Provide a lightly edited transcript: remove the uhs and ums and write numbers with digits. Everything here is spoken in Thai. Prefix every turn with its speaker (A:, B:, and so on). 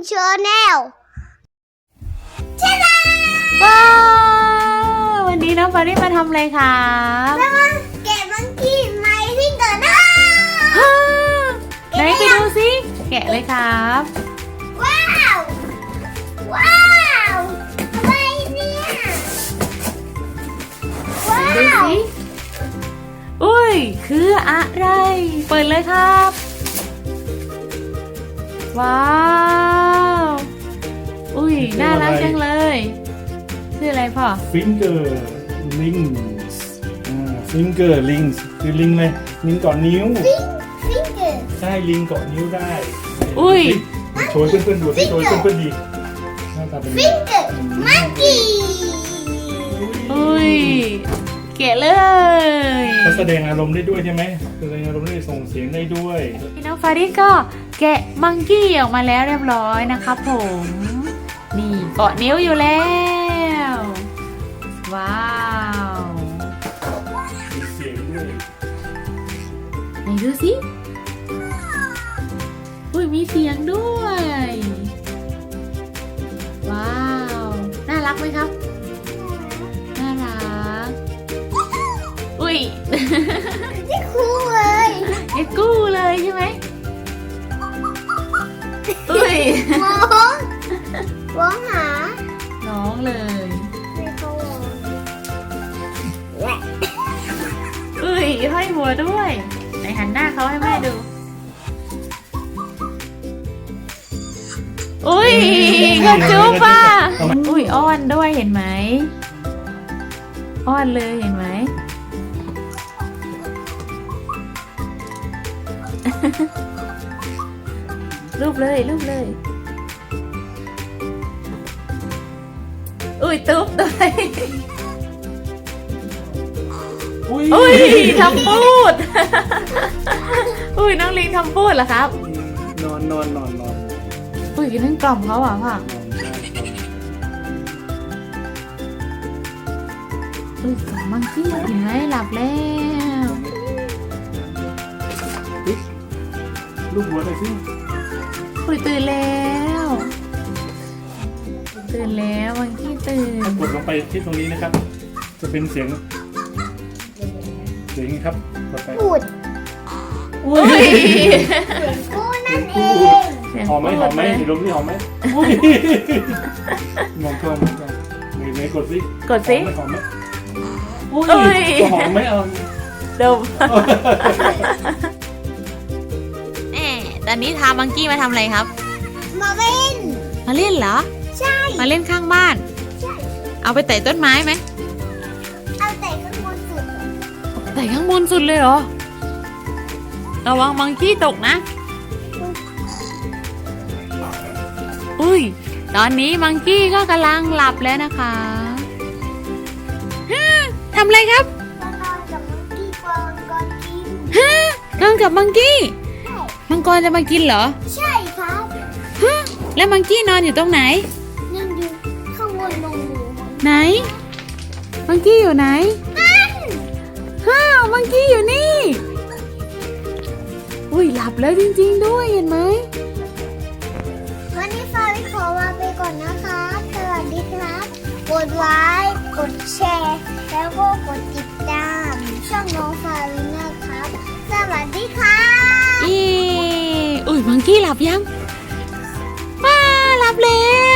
A: ชาแนล
B: ว้าววันนี้น้องฟาริสมาทำอะไรครับ
A: แล้วมาแกะมังกี้ไม้ที่เกิดนะ
B: ไหนไปดูสิแกะเลยครับ
A: ว้าวว้าวอะไรเนี่ยว้า
B: ดู
A: ว
B: สิอุ้ยคืออะไรเปิดเลยครับ ว้าวอุ้ยน่ารักจังเลยชื่ออะไรพ่อ
C: Finger Rings Finger Rings คือลิงเลยลิงเกาะนิ้ว
A: ฟิงเกอร์
C: ใช่ลิงเกาะนิ้วได้
B: อุ้ย
C: โชว์ให้เพื่อนๆดูสิโชว์ให้เพื่อนๆดีหน้าตาเป็น
A: ฟิงเกอร์มังกี้
B: อุ้ยแกะเลย
C: เขาแสดงอารมณ์ได้ด้วยใช่ไหมแสดงอารมณ์ได้ส่งเสียงได้ด้วย
B: น้องฟาริสก็แกะมังกี้ออกมาแล้วเรียบร้อยนะครับผมนี่เกาะนิ้วอยู่แล้วว้าว
C: มีเสียงด้วย
B: ไหนดูสิอุ้ยมีเสียงด้วย ว้าว น่ารักไหมครับ น่ารัก อุ้ย
A: ที่คู่เลย
B: เอ็กกู้เลยใช่ไหมอุ้ย
A: มองร้องหา
B: น้องเลย
A: ไม่เขาร้อง
B: อุ้ยห้อยหัวด้วยไหนหันหน้าเขาให้แม่ดู อุ้ยกระจุ๊บป่ะอุ้ยอ้อนด้วยเห็นไหมอ้อนเลยเห็นไหม รูปเลยรูปเลยอุ้ยตุ๊บด้วย อุ้ยทำพูด อุ้ยน้องลิงทำพูดเหรอครับ
C: นอน
B: อุ้ยนั่นกล่อมเขาอ่ะพ่ออุ้ยกล่อมมังกี้เห็นไหมหลับแล้ว
C: ลูกหัวหน่อยสิ
B: อุ้ยตื่นแล้วตื่นแล้วมังกี้ตื่น
C: กดลงไปที่ตรงนี้นะครับ จะเป็นเสียงครับ กดไป
A: พูด
B: อุ้ย
A: คู่นั่นเอง
C: หอมไหมเห็นลมนี่หอมไหมมองกล้องไหนกดสิ
B: กดสิ
C: หอมไหม
B: อุ้ย
C: จะหอมไหมเอา
B: ดมตอนนี้ทามังกี้มาทำอะไรครับ
A: มาเล่น
B: มาเล่นเหรอ
A: ใช่
B: มาเล่นข้างบ้าน
A: ใช่
B: เอาไปไต่ต้นไม้ไหม
A: เอาแต่ข้างบนสุด
B: ไต่ข้างบนสุดเลยเหรอ ระวังมังกี้ตกนะ อุ้ย ตอนนี้มังกี้ก็กำลังหลับแล้วนะคะทำอะไรครับ
A: มานอนกับมังกี้กวางก่อนกิน
B: นอนกับมังกี้ มังกรจะมากินเหรอ
A: ใช่ครับ
B: แล้วมังกี้นอนอยู่ตรงไหน
A: นั่งอยู่ข้างบนลงหมู
B: ไหน มังกี้อยู่ไหน
A: นั่น
B: ฮ่าวมังกี้อยู่นี่ อุ้ยหลับแล้วจริงๆด้วยเห็นไหม
A: วันนี้ฟาริขอลาไปก่อนนะครับ สวัสดีครับ กดไลค์ กดแชร์ แล้วก็กดติดตามช่องน้องฟารินะครับ สวัสดีครับ
B: อุ้ยมังกี้หลับยังว้าหลับแล้ว